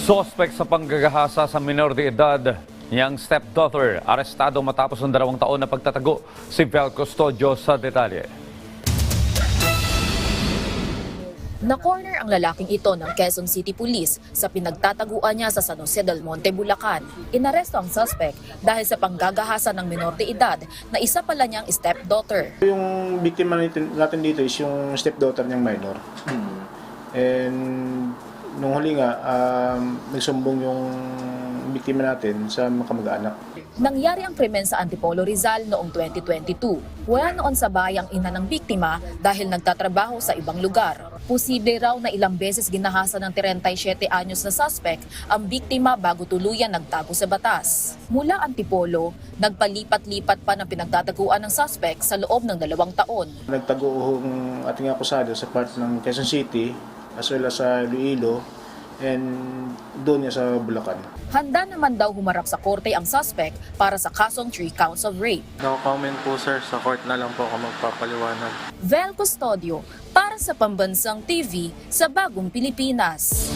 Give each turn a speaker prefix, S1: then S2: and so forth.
S1: Sospek sa panggagahasa sa minor de edad niyang stepdaughter, arestado matapos ng 2 taon na pagtatago. Si Vel Custodio sa detalye.
S2: Na-corner ang lalaking ito ng Quezon City Police sa pinagtataguan niya sa San Jose del Monte, Bulacan. Inaresto ang suspect dahil sa panggagahasa ng minor de edad na isa pala niyang stepdaughter.
S3: Yung biktima natin dito is yung stepdaughter niyang minor. And nung huli nga, nagsumbong yung biktima natin sa mga kamag-anak.
S2: Nangyari ang krimen sa Antipolo, Rizal noong 2022. Wala noon sa bayang ina ng biktima dahil nagtatrabaho sa ibang lugar. Posible raw na ilang beses ginahasa ng 37 anyos na suspect ang biktima bago tuluyan nagtago sa batas. Mula Antipolo, nagpalipat-lipat pa ng pinagtataguan ng suspect sa loob ng 2 taon.
S3: Nagtago ang ating akusado sa part ng Quezon City as well as sa Iloilo and doon niya sa Bulacan.
S2: Handa naman daw humarap sa korte ang suspect para sa kasong 3 counts of rape.
S4: No comment po sir, sa court na lang po ako magpapaliwanag.
S2: Vel Custodio para sa Pambansang TV sa Bagong Pilipinas.